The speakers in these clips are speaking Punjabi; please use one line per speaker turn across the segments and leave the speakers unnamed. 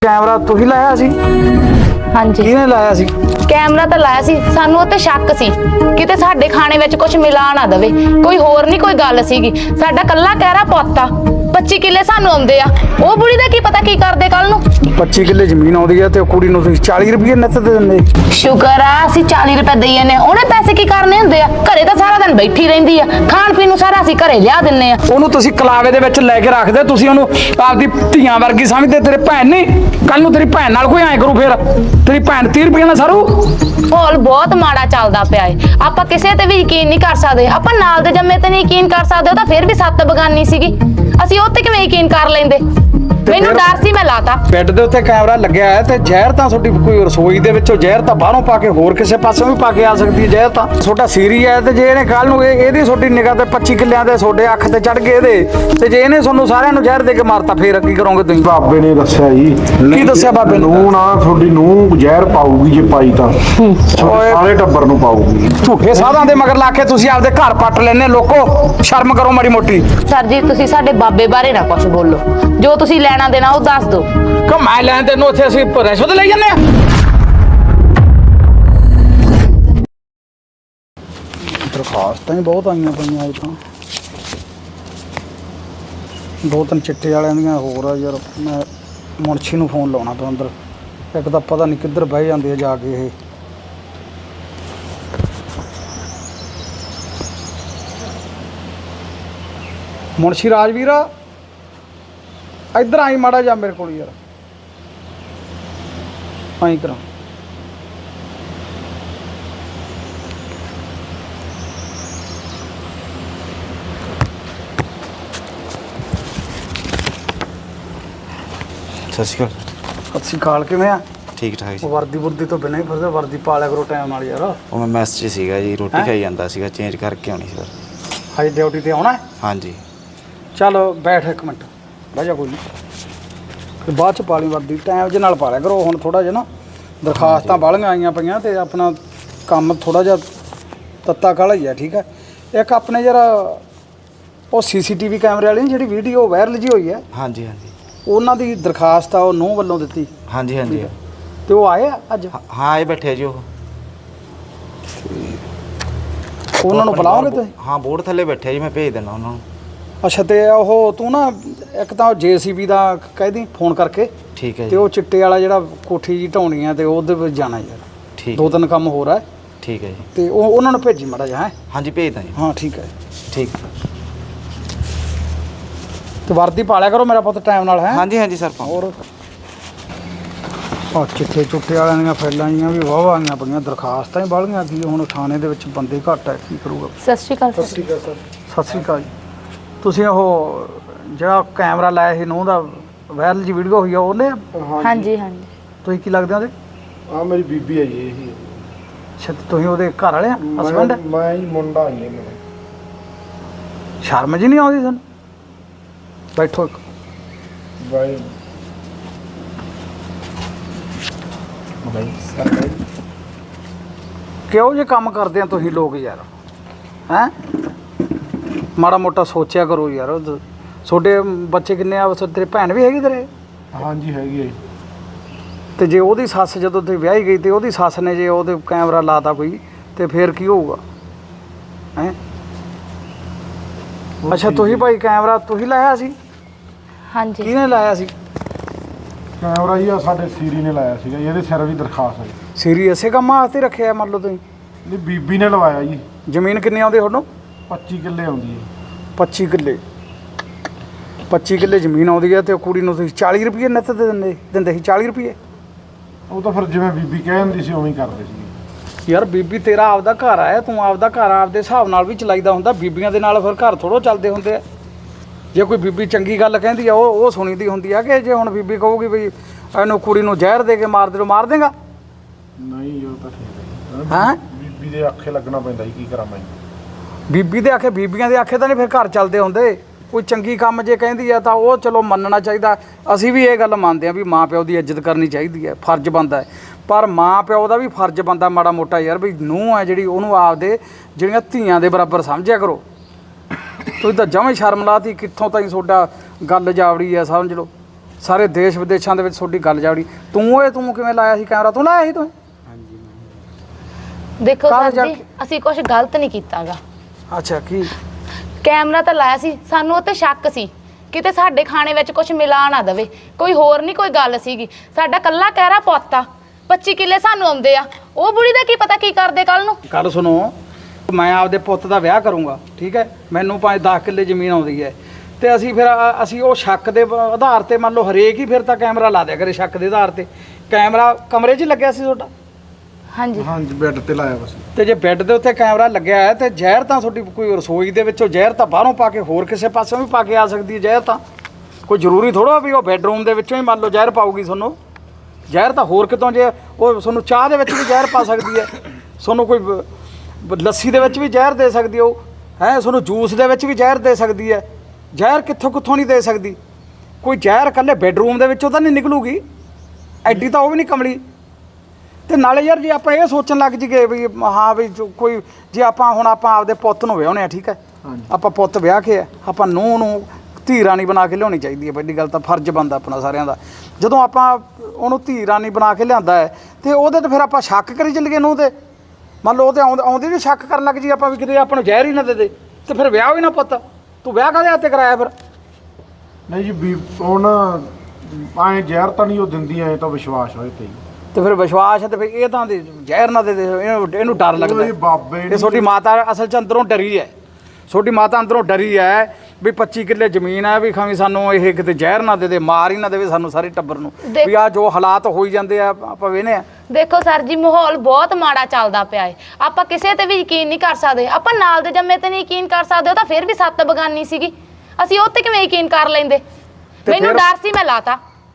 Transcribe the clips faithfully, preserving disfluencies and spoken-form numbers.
कैमरा तू ही लाया सी?
हाँ जी
किहने लाया सी?
कैमरा तो लाया सी, सानू उत्ते शक सी किते साडे खाने विच कुछ मिला ना दवे, कोई होर नहीं कोई गल सीगी। साडा कल्ला कहरा पोता पच्ची किले सानू आउंदे आ, ओ बुढ़ी दा की पता की करदे कल नू।
पच्ची किले जमीन आउंदी है ते कुड़ी नूं तुसीं चाली रुपये नित दे दिंदे।
शुकर आ असीं चाली रुपए दई जन्ने, ओहने पैसे की करने हुंदे आ, घरे तां सारा दिन बैठी रहिंदी आ, खाण पीण नूं सारा असीं घरे लिया दिन्ने आ।
ओनू तुसीं कलावे दे विच लै के रखदे, तुसीं ओनू आपदी धीआं वर्गी समझदे। तेरे भैन नहीं कल नूं तेरी भैन नाल कोई ऐ करू फिर तेरी भैन तीह रुपये नाल सारू।
माहौल बहुत माड़ा चलदा पिया है, आपां किसे ते भी यकीन नहीं कर सकदे। आपां नाल दे जम्मे ते नहीं यकीन कर सकदे, ओ तां फिर भी सत्त बगानी सीगी, ਅਸੀਂ ਉੱਤੇ ਕਿਵੇਂ ਯਕੀਨ ਕਰ ਲੈਂਦੇ। ਮੈਨੂੰ ਡਰ ਸੀ ਮੈਂ ਲਾਤਾ।
ਬੈੱਡ ਦੇ ਉੱਤੇ ਕੈਮਰਾ ਲੱਗਿਆ ਹੈ ਤੇ ਜ਼ਹਿਰ ਤਾਂ ਤੁਹਾਡੀ ਕੋਈ ਰਸੋਈ ਦੇ ਵਿੱਚੋਂ ਜ਼ਹਿਰ ਤਾਂ ਬਾਹਰੋਂ ਪਾ ਕੇ ਹੋਰ ਕਿਸੇ ਪਾਸੋਂ ਵੀ ਪਾ ਕੇ ਆ ਸਕਦੀ ਹੈ ਜ਼ਹਿਰ ਤਾਂ। ਤੁਹਾਡਾ ਸੀਰੀ ਹੈ ਤੇ ਜੇ ਇਹਨੇ ਕੱਲ ਨੂੰ ਇਹ ਇਹਦੀ ਤੁਹਾਡੀ ਨਿਗਾਹ ਤੇ ਪੱਚੀ ਕਿੱਲਿਆਂ ਦੇ ਤੁਹਾਡੇ ਅੱਖ ਤੇ ਚੜ ਗਏ ਇਹਦੇ ਤੇ ਜੇ ਇਹਨੇ ਤੁਹਾਨੂੰ ਸਾਰਿਆਂ ਨੂੰ ਜ਼ਹਿਰ ਦੇ ਕੇ ਮਾਰਤਾ ਫੇਰ ਕੀ ਕਰੋਗੇ ਤੁਸੀਂ?
ਬਾਬੇ ਨੇ ਦੱਸਿਆ ਜੀ।
ਕੀ ਦੱਸਿਆ ਬਾਬੇ ਨੇ?
ਨੂੰ ਨਾ ਤੁਹਾਡੀ ਨੂੰ ਜ਼ਹਿਰ ਪਾਊਗੀ ਜੇ ਪਾਈ ਤਾਂ ਸਾਰੇ ਟੱਬਰ ਨੂੰ ਪਾਊਗੀ।
ਝੂਠੇ ਸਾਧਾਂ ਦੇ ਮਗਰ ਲਾ ਕੇ ਤੁਸੀਂ ਆਪਦੇ ਘਰ ਪੱਟ ਲੈਨੇ ਲੋਕੋ, ਸ਼ਰਮ ਕਰੋ ਮਾੜੀ ਮੋਟੀ।
ਸਰ ਜੀ ਤੁਸੀਂ ਸਾਡੇ ਬਾਬੇ ਬਾਰੇ ਨਾ ਕੁਝ ਬੋਲੋ, ਜੋ ਤੁਸੀਂ ਲੈਣਾ ਦੇਣਾ ਉਹ ਦੱਸ ਦਿਓ।
ਕਿ ਮੈਂ ਲੈਣ ਤੈਨੂੰ ਉੱਥੇ ਅਸੀਂ ਰਿਸ਼ਵਤ ਲਈ ਜਾਂਦੇ ਆ? ਦਰਖਾਸਤਾਂ ਹੀ ਬਹੁਤ ਆਈਆਂ ਪਈਆਂ ਅੱਜ ਤਾਂ, ਦੋ ਤਿੰਨ ਚਿੱਟੇ ਵਾਲਿਆਂ ਦੀਆਂ ਹੋਰ ਆ ਯਾਰ। ਮੈਂ ਮੁਨਸ਼ੀ ਨੂੰ ਫੋਨ ਲਾਉਣਾ ਤੋਂ ਅੰਦਰ, ਇੱਕ ਤਾਂ ਪਤਾ ਨਹੀਂ ਕਿੱਧਰ ਬਹਿ ਜਾਂਦੇ ਆ ਜਾ ਕੇ ਇਹ। ਮੁਨਸ਼ੀ ਰਾਜਵੀਰ ਇੱਧਰ ਆਈ ਮਾੜਾ ਜਾ ਮੇਰੇ ਕੋਲ ਯਾਰ, ਆਈ ਕਰਾਂ।
ਸਤਿ ਸ਼੍ਰੀ ਅਕਾਲ।
ਸਤਿ ਸ਼੍ਰੀ ਅਕਾਲ, ਕਿਵੇਂ ਆ?
ਠੀਕ ਠਾਕ ਜੀ।
ਵਰਦੀ ਵਰਦੀ ਤੋਂ ਬਿਨਾਂ ਹੀ ਫਿਰਦੇ, ਵਰਦੀ ਪਾ ਲਿਆ ਕਰੋ ਟਾਈਮ ਨਾਲ ਯਾਰ।
ਉਹ ਮੈਂ ਮੈਸ 'ਚ ਸੀਗਾ ਜੀ, ਰੋਟੀ ਖਾਈ ਜਾਂਦਾ ਸੀਗਾ, ਚੇਂਜ ਕਰਕੇ ਆਉਣੀ ਸੀ ਫਿਰ।
ਹਾਈ ਡਿਊਟੀ ਤੇ ਆਉਣਾ ਹੈ?
ਹਾਂਜੀ।
ਚੱਲ ਬੈਠ ਇੱਕ ਮਿੰਟ, ਬਹਿ ਜਾ ਕੋਈ ਨਹੀਂ, ਫਿਰ ਬਾਅਦ ਚ ਪਾ ਲਈ ਵਰਦੀ, ਟਾਈਮ ਜੇ ਨਾਲ ਪਾ ਲਿਆ ਕਰੋ। ਹੁਣ ਥੋੜਾ ਜਿਹਾ ਨਾ ਦਰਖਾਸਤਾਂ ਬਾਹਲੀਆਂ ਆਈਆਂ ਪਈਆਂ ਤੇ ਆਪਣਾ ਕੰਮ ਥੋੜਾ ਜਿਹਾ ਤੱਤਾ ਕਾਲਾ ਹੀ ਆ, ਠੀਕ ਹੈ। ਇੱਕ ਆਪਣੇ ਜਰਾ ਉਹ ਸੀਸੀਟੀਵੀ ਕੈਮਰੇ ਵਾਲੀ ਜਿਹੜੀ ਵੀਡੀਓ ਵਾਇਰਲ ਜੀ ਹੋਈ ਹੈ,
ਹਾਂਜੀ ਹਾਂਜੀ
ਉਹਨਾਂ ਦੀ ਦਰਖਾਸਤ ਆ ਉਹ ਨੂੰਹ ਵੱਲੋਂ ਦਿੱਤੀ
ਹਾਂਜੀ ਹਾਂਜੀ
ਤੇ ਉਹ ਆਏ ਆ ਅੱਜ?
ਹਾਂ ਆਏ ਬੈਠੇ ਜੀ ਉਹ।
ਉਹਨਾਂ ਨੂੰ ਬੁਲਾਓਗੇ ਤੁਸੀਂ?
ਹਾਂ ਬੋਰਡ ਥੱਲੇ ਬੈਠੇ ਜੀ, ਮੈਂ ਭੇਜ ਦਿੰਦਾ ਉਹਨਾਂ ਨੂੰ।
ਅੱਛਾ, ਤੇ ਉਹ ਤੂੰ ਨਾ ਇੱਕ ਤਾਂ ਜੇਸੀਬੀ ਦਾ ਕਹਿ ਦੀ ਫੋਨ ਕਰਕੇ,
ਠੀਕ ਹੈ
ਤੇ
ਜੀ।
ਉਹ ਚਿੱਟੇ ਵਾਲਾ ਜਿਹੜਾ ਕੋਠੀ ਜੀ ਢਾਉਣੀ ਆ ਤੇ ਉਹਦੇ ਵਿੱਚ ਜਾਣਾ ਯਾਰ,
ਠੀਕ
ਦੋ ਤਿੰਨ ਕੰਮ ਹੋਰ ਆ।
ਠੀਕ ਹੈ ਜੀ।
ਤੇ ਉਹ ਉਹਨਾਂ ਨੂੰ ਭੇਜੀ ਮਾੜਾ ਜਿਹਾ। ਹੈ
ਹਾਂਜੀ ਭੇਜਦਾ ਜੀ।
ਹਾਂ ਠੀਕ ਹੈ।
ਠੀਕ।
ਤੇ ਵਰਦੀ ਪਾ ਲਿਆ ਕਰੋ ਮੇਰਾ ਪੁੱਤ ਟਾਈਮ ਨਾਲ। ਹੈ
ਹਾਂਜੀ ਹਾਂਜੀ ਸਰ।
ਹੋਰ ਆ ਚਿੱਟੇ ਚੁੱਟੇ ਵਾਲਿਆਂ ਦੀਆਂ ਫੈਲਾਂ ਜੀਆਂ ਵੀ ਵਾਹਵਾ ਆਈਆਂ ਪਈਆਂ, ਦਰਖਾਸਤਾਂ ਹੀ ਬਾਹਲੀਆਂ ਕੀ ਹੁਣ ਥਾਣੇ ਦੇ ਵਿੱਚ ਬੰਦੇ ਘੱਟ ਹੈ, ਕੀ ਕਰੂਗਾ?
ਸਤਿ ਸ਼੍ਰੀ ਅਕਾਲ
ਸਤਿ ਸ਼੍ਰੀ ਅਕਾਲ ਸਰ। ਸਤਿ ਸ਼੍ਰੀ ਅਕਾਲ ਜੀ। ਤੁਸੀਂ ਉਹ ਜਿਹੜਾ ਕੈਮਰਾ ਲਾਇਆ ਸੀ ਨੂੰਹ ਦਾ ਵਾਇਰਲ ਜੀ ਵੀਡੀਓ ਹੋਈ ਆ ਉਹਨੇ?
ਹਾਂਜੀ ਹਾਂਜੀ।
ਤੁਸੀਂ ਕੀ ਲੱਗਦੇ ਉਹਦੇ?
ਆ ਮੇਰੀ ਬੀਬੀ ਹੈ ਜੀ। ਇਹੀ
ਅੱਛਾ, ਤੇ ਤੁਸੀਂ ਉਹਦੇ ਘਰ ਵਾਲੇ ਆ? ਹਸਬੈਂਡ?
ਮੈਂ ਹੀ ਮੁੰਡਾ ਹੀ ਮੇਰਾ।
ਸ਼ਰਮ ਜੀ ਨਹੀਂ ਆਉਂਦੀ ਤੁਹਾਨੂੰ? ਬੈਠੋ ਇੱਕ।
ਬਾਈ ਬਾਈ ਸਰ ਬਾਈ
ਕਿਹੋ ਜਿਹੇ ਕੰਮ ਕਰਦੇ ਆ ਤੁਸੀਂ ਲੋਕ ਯਾਰ? ਹੈਂ ਮਾੜਾ ਮੋਟਾ ਸੋਚਿਆ ਕਰੋ ਯਾਰ। ਉਹ ਤੁਹਾਡੇ ਬੱਚੇ ਕਿੰਨੇ ਆ? ਤੇਰੇ ਭੈਣ ਵੀ ਹੈਗੀ ਤੇਰੇ?
ਹਾਂਜੀ ਹੈਗੀ ਹੈ ਜੀ।
ਤੇ ਜੇ ਉਹਦੀ ਸੱਸ ਜਦੋਂ ਤੇ ਵਿਆਹੀ ਗਈ ਤੇ ਉਹਦੀ ਸੱਸ ਨੇ ਜੇ ਉਹਦੇ ਕੈਮਰਾ ਲਾਤਾ ਕੋਈ ਤੇ ਫੇਰ ਕੀ ਹੋਊਗਾ? ਹੈਂ ਅੱਛਾ, ਤੁਸੀਂ ਭਾਈ ਕੈਮਰਾ ਤੁਸੀਂ ਲਾਇਆ ਸੀ?
ਹਾਂਜੀ।
ਕਿਹਨੇ ਲਾਇਆ ਸੀ?
ਕੈਮਰਾ ਜੀ ਆ ਸਾਡੇ ਸੀਰੀ ਨੇ ਲਾਇਆ ਸੀਗਾ ਜੀ, ਇਹਦੇ ਸਿਰ ਵੀ ਦਰਖਾਸਤ ਹੈ ਜੀ।
ਸੀਰੀ ਇਸੇ ਕੰਮ ਵਾਸਤੇ ਰੱਖਿਆ ਮੰਨ ਲਓ ਤੁਸੀਂ?
ਨਹੀਂ ਬੀਬੀ ਨੇ ਲਵਾਇਆ ਜੀ।
ਜ਼ਮੀਨ ਕਿੰਨੀ ਆਉਂਦੀ ਤੁਹਾਨੂੰ?
ਪੱਚੀ ਕਿੱਲੇ ਆਉਂਦੀ ਹੈ।
ਪੱਚੀ ਕਿੱਲੇ ਪੱਚੀ ਕਿੱਲੇ ਜ਼ਮੀਨ ਆਉਂਦੀ ਹੈ ਤੇ ਉਹ ਕੁੜੀ ਨੂੰ ਤੁਸੀਂ ਚਾਲੀ ਰੁਪਏ ਨਿੱਤ ਦੇ ਦਿੰਦੇ ਦਿੰਦੇ ਸੀ? ਚਾਲੀ ਰੁਪਏ?
ਉਹ ਤਾਂ ਫਿਰ ਜਿਵੇਂ ਬੀਬੀ ਕਹਿ ਦਿੰਦੀ ਸੀ ਉਵੇਂ ਹੀ ਕਰਦੇ ਸੀ
ਯਾਰ ਬੀਬੀ ਤੇਰਾ ਆਪਦਾ ਘਰ ਆ, ਤੂੰ ਆਪਦਾ ਘਰ ਆਪਦੇ ਹਿਸਾਬ ਨਾਲ ਵੀ ਚਲਾਈਦਾ ਹੁੰਦਾ। ਬੀਬੀਆਂ ਦੇ ਨਾਲ ਫਿਰ ਘਰ ਥੋੜ੍ਹੋ ਚੱਲਦੇ ਹੁੰਦੇ ਆ। ਜੇ ਕੋਈ ਬੀਬੀ ਚੰਗੀ ਗੱਲ ਕਹਿੰਦੀ ਆ ਉਹ ਉਹ ਸੁਣੀ ਦੀ ਹੁੰਦੀ ਆ, ਕਿ ਜੇ ਹੁਣ ਬੀਬੀ ਕਹੂਗੀ ਵੀ ਇਹਨੂੰ ਕੁੜੀ ਨੂੰ ਜ਼ਹਿਰ ਦੇ ਕੇ ਮਾਰ ਦੇ, ਮਾਰ ਦੇਗਾ?
ਨਹੀਂ ਉਹ ਤਾਂ ਠੀਕ ਹੈ।
ਹੈਂ
ਬੀਬੀ ਦੇ ਆਖੇ ਲੱਗਣਾ ਪੈਂਦਾ ਜੀ, ਕੀ ਕਰਾਂ ਮੈਂ?
ਬੀਬੀ ਦੇ ਆਖੇ, ਬੀਬੀਆਂ ਦੇ ਆਖੇ ਤਾਂ ਨਹੀਂ ਫਿਰ ਘਰ ਚੱਲਦੇ ਹੁੰਦੇ। ਕੋਈ ਚੰਗੀ ਕੰਮ ਜੇ ਕਹਿੰਦੀ ਆ ਤਾਂ ਉਹ ਚਲੋ ਮੰਨਣਾ ਚਾਹੀਦਾ। ਅਸੀਂ ਵੀ ਇਹ ਗੱਲ ਮੰਨਦੇ ਆ ਵੀ ਮਾਂ ਪਿਓ ਦੀ ਇੱਜ਼ਤ ਕਰਨੀ ਚਾਹੀਦੀ ਹੈ, ਫਰਜ਼ ਬਣਦਾ ਹੈ। ਪਰ ਮਾਂ ਪਿਓ ਦਾ ਵੀ ਫਰਜ਼ ਬਣਦਾ ਮਾੜਾ ਮੋਟਾ ਯਾਰ, ਵੀ ਨੂੰਹ ਹੈ ਜਿਹੜੀ ਉਹਨੂੰ ਆਪਦੇ ਜਿਹੜੀਆਂ ਧੀਆਂ ਦੇ ਬਰਾਬਰ ਸਮਝਿਆ ਕਰੋ। ਤੁਸੀਂ ਤਾਂ ਜਮਾਂ ਹੀ ਸ਼ਰਮ ਲਾਤੀ, ਕਿੱਥੋਂ ਤਾਈਂ ਤੁਹਾਡਾ ਗੱਲ ਜਾਵੜੀ ਆ ਸਮਝ ਲਓ। ਸਾਰੇ ਦੇਸ਼ ਵਿਦੇਸ਼ਾਂ ਦੇ ਵਿੱਚ ਤੁਹਾਡੀ ਗੱਲ ਜਾੜੀ। ਤੂੰ ਇਹ ਤੂੰ ਕਿਵੇਂ ਲਾਇਆ ਸੀ ਕੈਮਰਾ? ਤੂੰ ਲਾਇਆ ਸੀ ਤੂੰ?
ਦੇਖੋ
ਕਾਹਦੇ
ਸਰ
ਜਾ
ਜੀ
ਕੇ?
ਅਸੀਂ ਕੁਝ ਗਲਤ ਨਹੀਂ ਕੀਤਾਗਾ।
ਅੱਛਾ ਕੀ?
ਕੈਮਰਾ ਤਾਂ ਲਾਇਆ ਸੀ, ਸਾਨੂੰ ਉਹ ਤੇ ਸ਼ੱਕ ਸੀ ਕਿਤੇ ਸਾਡੇ ਖਾਣੇ ਵਿੱਚ ਕੁਝ ਮਿਲਾ ਨਾ ਦਵੇ, ਕੋਈ ਹੋਰ ਨਹੀਂ ਕੋਈ ਗੱਲ ਸੀਗੀ। ਸਾਡਾ ਕੱਲਾ ਕਹਿਰਾ ਪੁੱਤ ਆ, ਪੱਚੀ ਕਿੱਲੇ ਸਾਨੂੰ ਆਉਂਦੇ ਆ। ਉਹ ਬੁੜੀ ਦਾ ਕੀ ਪਤਾ ਕੀ ਕਰਦੇ ਕੱਲ ਨੂੰ।
ਗੱਲ ਸੁਣੋ, ਮੈਂ ਆਪਦੇ ਪੁੱਤ ਦਾ ਵਿਆਹ ਕਰੂੰਗਾ, ਠੀਕ ਹੈ, ਮੈਨੂੰ ਪੰਜ ਦਸ ਕਿੱਲੇ ਜ਼ਮੀਨ ਆਉਂਦੀ ਹੈ, ਤੇ ਅਸੀਂ ਫਿਰ ਅ- ਅਸੀਂ ਉਹ ਸ਼ੱਕ ਦੇ ਬ- ਆਧਾਰ ਤੇ ਮੰਨ ਲਓ ਹਰੇਕ ਹੀ ਫਿਰ ਤਾਂ ਕੈਮਰਾ ਲਾ ਦਿਆ ਕਰੇ ਸ਼ੱਕ ਦੇ ਆਧਾਰ ਤੇ। ਕੈਮਰਾ ਕਮਰੇ 'ਚ ਹੀ ਲੱਗਿਆ ਸੀ ਤੁਹਾਡਾ?
ਹਾਂਜੀ
ਹਾਂਜੀ ਬੈੱਡ ਤੇ ਲਾਇਆ ਬਸ।
ਤੇ ਜੇ ਬੈੱਡ ਦੇ ਉੱਤੇ ਕੈਮਰਾ ਲੱਗਿਆ ਹੈ ਤੇ ਜ਼ਹਿਰ ਤਾਂ ਤੁਹਾਡੀ ਕੋਈ ਰਸੋਈ ਦੇ ਵਿੱਚੋਂ ਜ਼ਹਿਰ ਤਾਂ ਬਾਹਰੋਂ ਪਾ ਕੇ ਹੋਰ ਕਿਸੇ ਪਾਸਿਓਂ ਵੀ ਪਾ ਕੇ ਆ ਸਕਦੀ ਹੈ ਜ਼ਹਿਰ ਤਾਂ। ਕੋਈ ਜ਼ਰੂਰੀ ਥੋੜ੍ਹਾ ਵੀ ਉਹ ਬੈੱਡਰੂਮ ਦੇ ਵਿੱਚੋਂ ਹੀ ਮੰਨ ਲਓ ਜ਼ਹਿਰ ਪਾਊਗੀ ਤੁਹਾਨੂੰ। ਜ਼ਹਿਰ ਤਾਂ ਹੋਰ ਕਿਤੋਂ, ਜੇ ਉਹ ਤੁਹਾਨੂੰ ਚਾਹ ਦੇ ਵਿੱਚ ਵੀ ਜ਼ਹਿਰ ਪਾ ਸਕਦੀ ਹੈ, ਤੁਹਾਨੂੰ ਕੋਈ ਬ- ਬ- ਲੱਸੀ ਦੇ ਵਿੱਚ ਵੀ ਜ਼ਹਿਰ ਦੇ ਸਕਦੀ ਹੈ, ਉਹ ਹੈ ਤੁਹਾਨੂੰ ਜੂਸ ਦੇ ਵਿੱਚ ਵੀ ਜ਼ਹਿਰ ਦੇ ਸਕਦੀ ਹੈ। ਜ਼ਹਿਰ ਕਿੱਥੋਂ ਕਿੱਥੋਂ ਨਹੀਂ ਦੇ ਸਕਦੀ। ਕੋਈ ਜ਼ਹਿਰ ਇਕੱਲੇ ਬੈੱਡਰੂਮ ਦੇ ਵਿੱਚੋਂ ਤਾਂ ਨਹੀਂ ਨਿਕਲੂਗੀ, ਐਡੀ ਤਾਂ ਉਹ ਵੀ ਨਹੀਂ ਕਮਲੀ। ਤੇ ਨਾਲੇ ਯਾਰ ਜੇ ਆਪਾਂ ਇਹ ਸੋਚਣ ਲੱਗ ਜੀਏ ਵੀ ਹਾਂ ਵੀ ਜੋ ਕੋਈ, ਜੇ ਆਪਾਂ ਹੁਣ ਆਪਾਂ ਆਪਦੇ ਪੁੱਤ ਨੂੰ ਵਿਆਹੁੰਦੇ ਆ, ਠੀਕ ਹੈ, ਆਪਾਂ ਪੁੱਤ ਵਿਆਹ ਕੇ ਆ, ਆਪਾਂ ਨੂੰਹ ਨੂੰ ਧੀ ਰਾਣੀ ਬਣਾ ਕੇ ਲਿਆਉਣੀ ਚਾਹੀਦੀ ਹੈ। ਵੱਡੀ ਗੱਲ ਤਾਂ ਫਰਜ਼ ਬਣਦਾ ਆਪਣਾ ਸਾਰਿਆਂ ਦਾ। ਜਦੋਂ ਆਪਾਂ ਉਹਨੂੰ ਧੀ ਰਾਣੀ ਬਣਾ ਕੇ ਲਿਆਂਦਾ ਹੈ ਤੇ ਉਹਦੇ ਤੇ ਫਿਰ ਆਪਾਂ ਸ਼ੱਕ ਕਰੀ ਚੱਲੀਏ ਨੂੰਹ ਤੇ। ਮੰਨ ਲਓ ਉਹ ਤੇ ਆਉਂਦੇ ਆਉਂਦੇ ਵੀ ਸ਼ੱਕ ਕਰਨ ਲੱਗ ਜੀ ਆਪਾਂ ਵੀ ਕਿਤੇ ਆਪਾਂ ਨੂੰ ਜ਼ਹਿਰ ਹੀ ਨਾ ਦੇ ਦੇ, ਤੇ ਫਿਰ ਵਿਆਹ ਵੀ ਨਾ ਪੁੱਤ। ਤੂੰ ਵਿਆਹ ਕਾਹਦੇ ਹੱਥ ਤੇ ਕਰਾਇਆ ਫਿਰ?
ਨਹੀਂ ਜੀ ਵੀ ਉਹ ਨਾ ਐਂ ਜ਼ਹਿਰ ਤਾਂ ਨਹੀਂ ਉਹ ਦਿੰਦੀ, ਐਂ ਤਾਂ ਵਿਸ਼ਵਾਸ ਹੋਏ ਤੇ ਹੀ।
ਤੇ ਫਿਰ ਵਿਸ਼ਵਾਸ ਹੈ ਤੇ ਫਿਰ ਇਹ ਤਾਂ ਦੇ ਜ਼ਹਿਰ ਨਾ ਦੇ ਦੇ, ਇਹਨੂੰ ਇਹਨੂੰ ਡਰ ਲੱਗਦਾ।
ਇਹ ਬਾਬੇ
ਇਹ ਤੁਹਾਡੀ ਮਾਤਾ ਅਸਲ 'ਚ ਅੰਦਰੋਂ ਡਰੀ ਹੈ। ਤੁਹਾਡੀ ਮਾਤਾ ਅੰਦਰੋਂ ਡਰੀ ਹੈ ਵੀ ਪੱਚੀ ਕਿੱਲੇ ਜ਼ਮੀਨ ਹੈ, ਵੀ ਖਾਵੀ ਸਾਨੂੰ ਇਹ ਕਿਤੇ ਜ਼ਹਿਰ ਨਾ ਦੇ ਦੇ, ਮਾਰ ਹੀ ਨਾ ਦੇਵੇ ਸਾਨੂੰ ਸਾਰੇ ਟੱਬਰ ਨੂੰ।
ਦੇਖ-
ਵੀ ਆ ਜੋ ਹਾਲਾਤ ਹੋਈ ਜਾਂਦੇ ਆ ਆਪਾਂ ਵੇਖਦੇ ਆ।
ਦੇਖੋ ਸਰ ਜੀ ਮਾਹੌਲ ਬਹੁਤ ਮਾੜਾ ਚੱਲਦਾ ਪਿਆ ਏ। ਆਪਾਂ ਕਿਸੇ ਤੇ ਵੀ ਯਕੀਨ ਨਹੀਂ ਕਰ ਸਕਦੇ। ਆਪਾਂ ਨਾਲ ਦੇ ਜੰਮੇ ਤੇ ਨਹੀਂ ਯਕੀਨ ਕਰ ਸਕਦੇ, ਉਹ ਤਾਂ ਫਿਰ ਵੀ ਸੱਤ ਬਗਾਨੀ ਸੀਗੀ, ਅਸੀਂ ਉਹ ਤੇ ਕਿਵੇਂ ਯਕੀਨ ਕਰ ਲੈਂਦੇ। ਮੈਨੂੰ
ਫਿਰ-
ਡਰ ਸੀ, ਮੈਂ ਲਾਤਾ।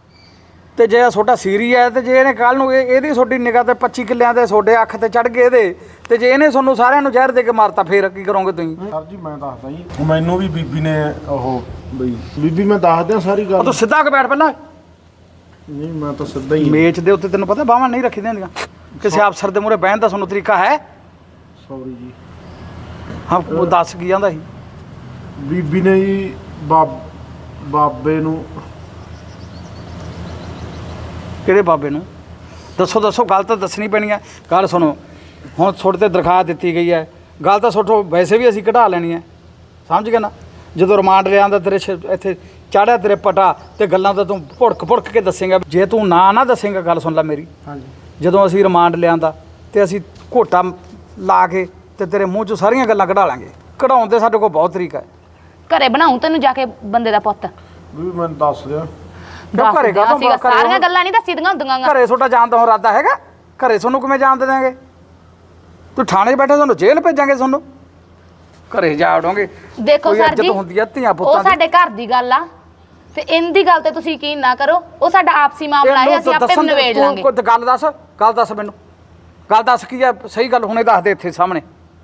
ਤੇ ਜੇ ਤੁਹਾਡਾ ਸੀਰੀ ਹੈ ਤੇ ਜੇ ਇਹਨੇ ਕੱਲ ਨੂੰ ਇਹ ਇਹਦੀ ਤੁਹਾਡੀ ਨਿਗਾਹ ਤੇ ਪੱਚੀ ਕਿੱਲਿਆਂ ਦੇ ਤੁਹਾਡੇ ਅੱਖ ਤੇ ਚੜ ਗਏ ਇਹਦੇ, ਤੇ ਜੇ ਇਹਨੇ ਤੁਹਾਨੂੰ ਸਾਰਿਆਂ ਨੂੰ ਜ਼ਹਿਰ ਦੇ ਕੇ ਮਾਰਤਾ ਫਿਰ ਕੀ ਕਰੋਗੇ ਤੁਸੀਂ?
ਸਰ ਜੀ ਮੈਂ ਦੱਸਦਾ ਜੀ, ਮੈਨੂੰ ਵੀ ਬੀਬੀ ਨੇ ਉਹ ਬਈ ਬੀਬੀ ਮੈਂ ਦੱਸ ਦਿਆਂ ਸਾਰੀ
ਉਹ
ਗੱਲ।
ਤੂੰ ਸਿੱਧਾ ਕੇ ਬੈਠ ਪਹਿਲਾਂ।
ਨਹੀਂ ਮੈਂ ਤਾਂ ਸਿੱਧਾ ਹੀ।
ਮੇਚ ਦੇ ਉੱਤੇ ਤੈਨੂੰ ਪਤਾ ਬਾਹਾਂ ਨਹੀਂ ਰੱਖੀਆਂ ਹੁੰਦੀਆਂ। ਕਿਸੇ ਅਫਸਰ ਦੇ ਮੂਹਰੇ ਬਹਿਣ ਦਾ ਤੁਹਾਨੂੰ ਤਰੀਕਾ ਹੈ?
ਸੌਰੀ ਜੀ।
ਹਾਂ ਉਹ ਦੱਸ ਕੀ ਜਾਂਦਾ ਸੀ?
ਬੀਬੀ ਨੇ ਜੀ ਬਾਬ ਬਾਬੇ ਨੂੰ
ਕਿਹੜੇ ਬਾਬੇ ਨੂੰ? ਦੱਸੋ ਦੱਸੋ, ਗੱਲ ਤਾਂ ਦੱਸਣੀ ਪੈਣੀ ਹੈ। ਗੱਲ ਸੁਣੋ, ਹੁਣ ਤੁਹਾਡੇ ਤੇ ਦਰਖਾਸਤ ਦਿੱਤੀ ਗਈ ਹੈ, ਗੱਲ ਤਾਂ ਤੁਹਾਡੇ ਵੈਸੇ ਵੀ ਅਸੀਂ ਕਢਾ ਲੈਣੀ ਹੈ, ਸਮਝ ਗਏ ਨਾ? ਜਦੋਂ ਰਿਮਾਂਡ ਲਿਆਂਦਾ ਤੇਰੇ ਸ਼- ਇੱਥੇ ਚਾੜਿਆ ਤੇਰੇ ਪਟਾ ਤੇ ਗੱਲਾਂ ਤਾਂ ਤੂੰ ਭੁੜਕ ਭੁੜਕ ਕੇ ਦੱਸੇਂਗਾ। ਜੇ ਤੂੰ ਨਾ ਨਾ ਦੱਸੇਂਗਾ, ਗੱਲ ਸੁਣ ਲੈ ਮੇਰੀ,
ਹਾਂਜੀ
ਜਦੋਂ ਅਸੀਂ ਰਿਮਾਂਡ ਲਿਆਂਦਾ ਤੇ ਅਸੀਂ ਘੋਟਾ ਲਾ ਕੇ ਤੇ ਤੇਰੇ ਮੂੰਹ 'ਚੋਂ ਸਾਰੀਆਂ ਗੱਲਾਂ ਕਢਾ ਲਾਂਗੇ। ਕਢਾਉਣ ਦੇ ਸਾਡੇ ਕੋਲ ਬਹੁਤ ਤਰੀਕਾ ਹੈ।
ਘਰੇ ਬਣਾਉਂ ਤੈਨੂੰ ਜਾ ਕੇ ਬੰਦੇ ਦਾ ਪੁੱਤ।
ਬੀਬੀ ਮੈਨੂੰ ਦੱਸ ਦਿਓ।
ਕਿਉਂ ਘਰੇ
ਦੱਸ
ਕਾਹਤੋਂ
ਦਿਆਂ ਸੀਗਾ,
ਘਰੇ
ਸਾਰੀਆਂ ਗੱਲਾਂ ਨਹੀਂ ਦੱਸੀ ਦੀਆਂ ਹੁੰਦੀਆਂ ਗਾ।
ਘਰੇ ਤੁਹਾਡਾ ਜਾਣ ਦਾ ਹੁਣ ਇਰਾਦਾ ਹੈਗਾ? ਘਰੇ ਤੁਹਾਨੂੰ ਕਿਵੇਂ ਜਾਣ ਦੇ ਦਿਆਂਗੇ? ਤੂੰ ਥਾਣੇ 'ਚ ਬੈਠੇ, ਤੁਹਾਨੂੰ ਜੇਲ੍ਹ ਭੇਜਾਂਗੇ ਤੁਹਾਨੂੰ। ਘਰੇ ਜਾ ਵੜੋਗੇ।
ਦੇਖੋ
ਕੋਈ
ਸਰ
ਇੱਜ਼ਤ
ਜੀ,
ਹੁੰਦੀ ਆ ਧੀਆਂ
ਉਹ
ਪੁੱਤਾਂ ਦੀ।
ਸਾਡੇ ਘਰ ਦੀ ਗੱਲ ਆ ਤੇ ਇਹਦੀ ਗੱਲ ਤੇ ਤੁਸੀਂ ਯਕੀਨ ਨਾ ਕਰੋ। ਉਹ ਸਾਡਾ ਆਪਸੀ ਮਾਮਲਾ ਹੈ,
ਇਹਨੂੰ
ਅਸੀਂ ਆਪੇ
ਦੱਸਣ ਦੇ-
ਨਿਬੇੜ
ਤੂੰ
ਲਾਂਗੇ।
ਕੋਈ ਗੱਲ ਦੱਸ, ਗੱਲ ਦੱਸ ਮੈਨੂੰ, ਗੱਲ ਦੱਸ ਕੀ ਆ ਸਹੀ ਗੱਲ ਹੁਣੇ ਦੱਸ ਦੇ ਇੱਥੇ ਸਾਹਮਣੇ।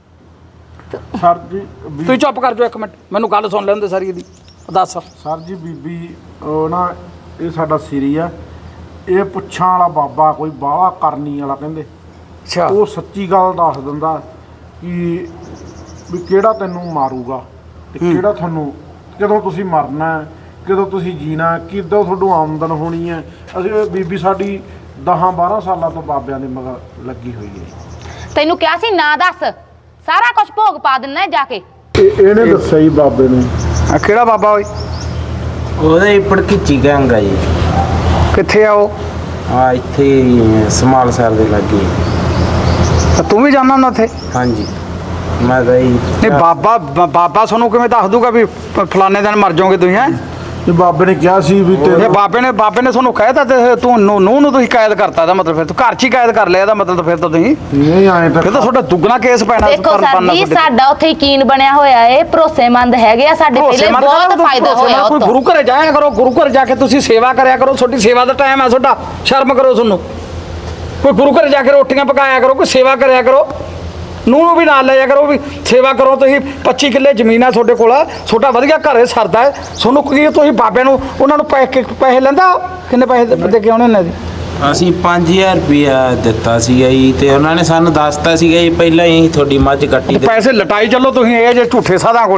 ਸਰ ਜੀ ਬੀ-
ਤੁਸੀਂ ਚੁੱਪ ਕਰ ਜਾਓ ਇੱਕ ਮਿੰਟ, ਮੈਨੂੰ ਗੱਲ ਸੁਣ ਲੈਂਦੇ ਸਾਰੀ ਇਹਦੀ। ਦੱਸ।
ਸਰ ਜੀ ਬੀਬੀ ਉਹ ਨਾ ਇਹ ਸਾਡਾ ਸਿਰੀ ਆ, ਇਹ ਪੁੱਛਾਂ ਵਾਲਾ ਬਾਬਾ ਕੋਈ ਬਾਹਲਾ ਕਰਨੀ ਵਾਲਾ ਕਹਿੰਦੇ।
ਅੱਛਾ
ਉਹ ਸੱਚੀ ਗੱਲ ਦੱਸ ਦਿੰਦਾ ਕਿ ਵੀ ਕਿਹੜਾ ਤੈਨੂੰ ਮਾਰੂਗਾ ਤੇ ਕਿਹੜਾ ਤੁਹਾਨੂੰ, ਕਦੋਂ ਤੁਸੀਂ ਮਰਨਾ ਹੈ, ਕਦੋਂ ਤੁਸੀਂ ਜੀਣਾ, ਕਿਦੋਂ ਤੁਹਾਨੂੰ ਆਮਦਨ ਹੋਣੀ ਹੈ। ਅਸੀਂ ਬੀਬੀ ਸਾਡੀ ਦਸਾਂ ਬਾਰਾਂ ਸਾਲਾਂ ਤੋਂ ਬਾਬਿਆਂ ਦੇ ਮਗਰ ਲੱਗੀ ਹੋਈ ਹੈ।
ਤੈਨੂੰ ਕਿਹਾ ਸੀ ਨਾ ਦੱਸ, ਸਾਰਾ ਕੁਝ ਭੋਗ ਪਾ ਦਿੰਨਾ ਜਾ ਕੇ।
ਇਹ ਇਹਨੇ ਦੱਸਿਆ ਜੀ ਬਾਬੇ ਨੂੰ।
ਆ ਕਿਹੜਾ ਬਾਬਾ ਓਏ?
ਉਹਦੇ ਪੜਕੀਚੀ ਗੰਗਾ ਜੀ,
ਕਿੱਥੇ ਆ ਉਹ?
ਆ ਇੱਥੇ ਹੀ ਸਮਾਲ ਸਾਹਿਬ ਦੇ ਲਾਗੇ।
ਤਾਂ ਤੂੰ ਵੀ ਜਾਣਾ ਨਾ ਉੱਥੇ?
ਹਾਂਜੀ ਮੈਂ ਤਾਂ ਜੀ
ਨਹੀਂ ਬਾਬਾ ਬ- ਬਾਬਾ ਤੁਹਾਨੂੰ ਕਿਵੇਂ ਦੱਸ ਦੂਗਾ ਵੀ ਪ- ਫਲਾਣੇ ਦਿਨ ਮਰ ਜਾਓਗੇ ਤੁਸੀਂ? ਹੈ
ਤੇ ਬਾਬੇ ਨੇ ਕਿਹਾ ਸੀ ਵੀ
ਇਹ
ਤੇ
ਬਾਬੇ ਨੇ ਬਾਬੇ ਨੇ ਤੁਹਾਨੂੰ ਕਹਿਤਾ ਤੇ ਤੂੰ ਨੂੰ ਨੂੰ ਨੂੰ ਤੁਸੀਂ ਕੈਦ ਕਰਤਾ। ਇਹਦਾ ਮਤਲਬ ਫਿਰ ਤੂੰ ਘਰ 'ਚ ਹੀ ਕੈਦ ਕਰ ਲਿਆ। ਇਹਦਾ ਮਤਲਬ ਤਾਂ ਫਿਰ ਤਾਂ ਤੁਸੀਂ
ਨਹੀਂ ਆਏ ਤਾਂ
ਫਿਰ ਤਾਂ ਤੁਹਾਡਾ ਦੁੱਗਣਾ ਕੇਸ ਪੈਣਾ।
ਦੇਖੋ
ਕਰਨ-
ਸਰ
ਬਣਨਾ
ਜੀ,
ਤੁਹਾਡੇ ਤੇ।
ਸਾਡਾ ਉੱਥੇ ਯਕੀਨ ਬਣਿਆ ਹੋਇਆ ਏ, ਭਰੋਸੇਮੰਦ ਹੈਗੇ ਆ ਸਾਡੇ, ਪਹਿਲੇ
ਭਰੋਸੇਮੰਦ
ਬਹੁਤ
ਕਰੋ,
ਫਾਇਦਾ ਹੋਇਆ
ਭਰੋਸੇਮੰਦ। ਕੋਈ
ਉੱਥੋਂ।
ਗੁਰੂ ਘਰੇ ਜਾਇਆ ਕਰੋ, ਗੁਰੂ ਘਰ ਜਾ ਕੇ ਤੁਸੀਂ ਸੇਵਾ ਕਰਿਆ ਕਰੋ। ਤੁਹਾਡੀ ਸੇਵਾ ਦਾ ਟਾਈਮ ਹੈ ਤੁਹਾਡਾ, ਸ਼ਰਮ ਕਰੋ ਤੁਹਾਨੂੰ। ਕੋਈ ਗੁਰੂ ਘਰ ਜਾ ਕੇ ਰੋਟੀਆਂ ਪਕਾਇਆ ਕਰੋ, ਕੋਈ ਸੇਵਾ ਕਰਿਆ ਕਰੋ। ਨੂੰਹ ਨੂੰ ਵੀ ਨਾਲ ਲੈ ਜਾ ਕਰੋ, ਵੀ ਸੇਵਾ ਕਰੋ। ਤੁਸੀਂ ਪੱਚੀ ਕਿੱਲੇ ਜ਼ਮੀਨ ਆ ਤੁਹਾਡੇ ਕੋਲ, ਤੁਹਾਡਾ ਵਧੀਆ ਘਰੇ ਸਰਦਾ ਹੈ ਤੁਹਾਨੂੰ। ਕੀ ਤੁਸੀਂ ਬਾਬੇ ਨੂੰ ਉਹਨਾਂ ਨੂੰ ਪੈਸੇ ਪੈਸੇ ਲੈਂਦਾ? ਕਿੰਨੇ ਪੈਸੇ ਦੇ ਕੇ ਆਉਣੇ ਨੇ ਜੀ?
ਅਸੀਂ ਪੰਜ ਹਜ਼ਾਰ ਰੁਪਇਆ ਦਿੱਤਾ ਸੀਗਾ ਜੀ, ਤੇ ਉਹਨਾਂ ਨੇ ਸਾਨੂੰ ਦੱਸਤਾ ਸੀਗਾ ਜੀ ਪਹਿਲਾਂ ਹੀ ਤੁਹਾਡੀ ਮੱਝ ਕੱਟੀ ਤੇ
ਪੈਸੇ ਲਟਾਈ ਚੱਲੋ ਤੁਸੀਂ, ਇਹ ਜੇ ਝੂਠੇ ਸਾਧਾਂ ਕੋਲੇ